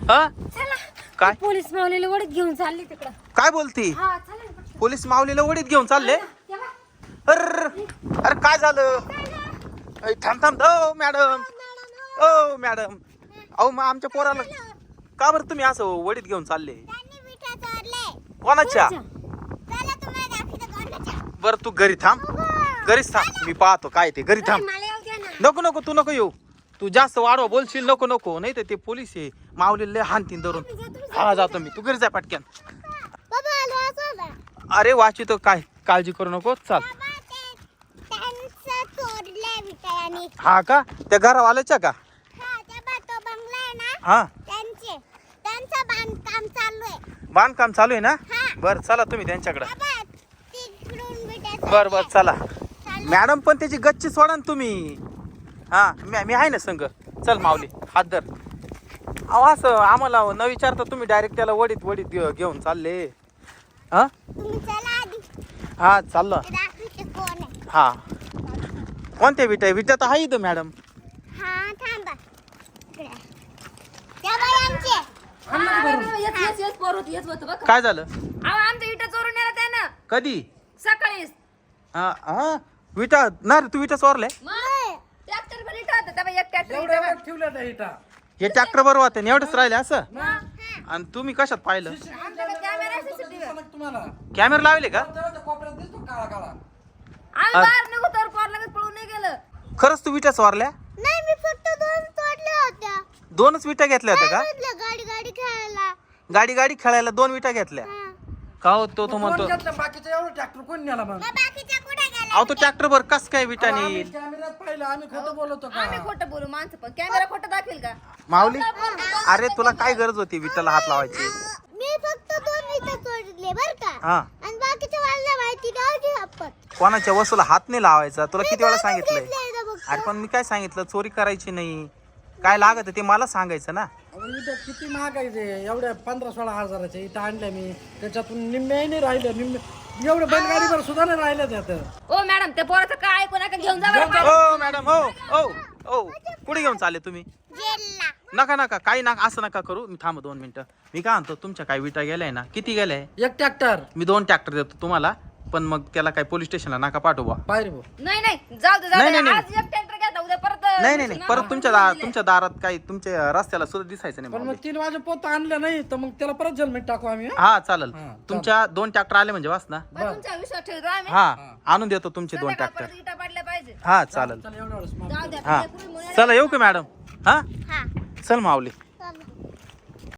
हा चला काय पोलीस मावलेले वडीत घेऊन चालले तिकडं. काय बोलती हा चला ना पटकन. पोलीस माऊलीला वडीत घेऊन चालले तेव्हा अरे काय झालं थांब थांब ओ मॅडम ओ मॅडम अहो मग आमच्या पोराला का बरं तुम्ही असं वडीत घेऊन चालले कोणाच्या बरं तू घरी थांब घरीच थांब मी पाहतो काय ते घरी थांब मला येऊ द्या ना. नको नको तू नको येऊ तू जास्त वाढवा बोलशील नको नको नाही तर ते पोलीस आहे माऊलीला हानतीन धरून हा जातो मी तू घरी जाय पटक्यान अरे वाचितो काय काळजी करू नको चाल हा का त्या घरावाल्याच्या का हा बांधकाम चालू आहे ना बर चला तुम्ही त्यांच्याकडे बर बर चला मॅडम पण त्याची गच्ची सोडा ना तुम्ही हा मी आहे ना संग चल माऊली हात धर अहो असं आम्हाला न विचारता तुम्ही डायरेक्ट त्याला वडीत वडीत घेऊन चालले हा हा चाललो हा कोणत्या विटा विटा तर आहे इथं मॅडम येत पोर होती येत होतं बघ. काय झालं अहो आमच्या इटा चोरून नेला त्यानं कधी सकाळीच. हा हा विटा ना रे तू विटा चोरले ट्रॅक्टर पण इटा होता तेव्हा एक एवढ्या ट्रॅक्टर वेळ ठेवल्या त्या इटा हे ट्रॅक्टर बरोबर होते एवढंच राहिले असं आणि तुम्ही कशात पाहिलं कॅमेरा सीसीटीव्ही तुम्हाला कॅमेरा लावले का तेव्हा त्या कोपऱ्यात दिसतो काळा काळा आम्ही बाहेर निघू तर पोर लगेच पळून नाही गेलं. खरंच तू विटा चोरल्या नाही मी फक्त दोन तोडल्या होत्या दोनच विटा घेतल्या होत्या का गाडी गाडी खेळायला गाडी गाडी खेळायला दोन विटा घेतल्या का हो तो कोण म्हणतो घेतलं बाकीचं एवढं ट्रॅक्टर कोण नेला मग बाकीच्या कुठे गेल्या अहो तो ट्रॅक्टर वर कस काय विटा आम्ही नेईल कॅमेऱ्यात पाहिलं आम्ही खोटं बोलतो आम्ही का खोटं बोलू माणसं पण कॅमेरा खोटं दाखवेल का. माऊली अरे तुला काय गरज होती विटाला हात लावायची मी फक्त दोन विटा तोडले बर का हा आणि बाकीच्या वाजल्या माहिती नव्हती आपण कोणाच्या वस्तूला हात नाही लावायचा तुला किती वेळा सांगितलंय घेतलंय बघ अरे पण मी काय सांगितलं चोरी करायची नाही काय लागत ते मला सांगायचं ना अहो, इटा किती महाग आहे ते एवढ्या 15-16 हजाराच्या इटा आणल्या मी त्याच्यातून निम्मे नाही राहिलं निम्मे एवढं बैलगाडीवर सुद्धा नाही राहिलं त्यात ओ मॅडम त्या पोराचं काय ऐकू नका घेऊन जा बरं पाय. हो मॅडम हो हो हो कुठे घेऊन चालले तुम्ही जेलला नका नका काही नका असं नका करू मी थांब 2 मिनिटं मी काय म्हणतो तुमच्या काय विटा गेल्याय ना किती गेल्याय एक ट्रॅक्टर मी 2 ट्रॅक्टर देतो तुम्हाला पण मग त्याला काय पोलीस स्टेशनला नका पाठवा बाहेर भाऊ नाही नाही जाऊ दे नाही, जाऊ दे नाही, आज एक ट्रॅक्टर घ्या उद्या परत नाही नाही नाही परत तुमच्या दारात काही तुमच्या रस्त्याला सुद्धा दिसायचं नाही पण मग माऊली. 3 वाजे पोत आणलं नाही तर मग त्याला परत जन्मेट टाकू आम्ही हं? हा चालेल हा, तुमच्या 2 ट्रॅक्टर आले म्हणजे वास ना बरं, तुमचा विश्वास ठेवतो आम्ही. हा आणून देतो तुमचे 2 संध्याकाळ ट्रॅक्टर परत इटा पडल्या पाहिजे. हा चालेल चला एवढं वेळेस माफ जाऊ द्या हा तुझ्या पुढे मुलाला- चला येऊ का मॅडम हा हा चल माऊली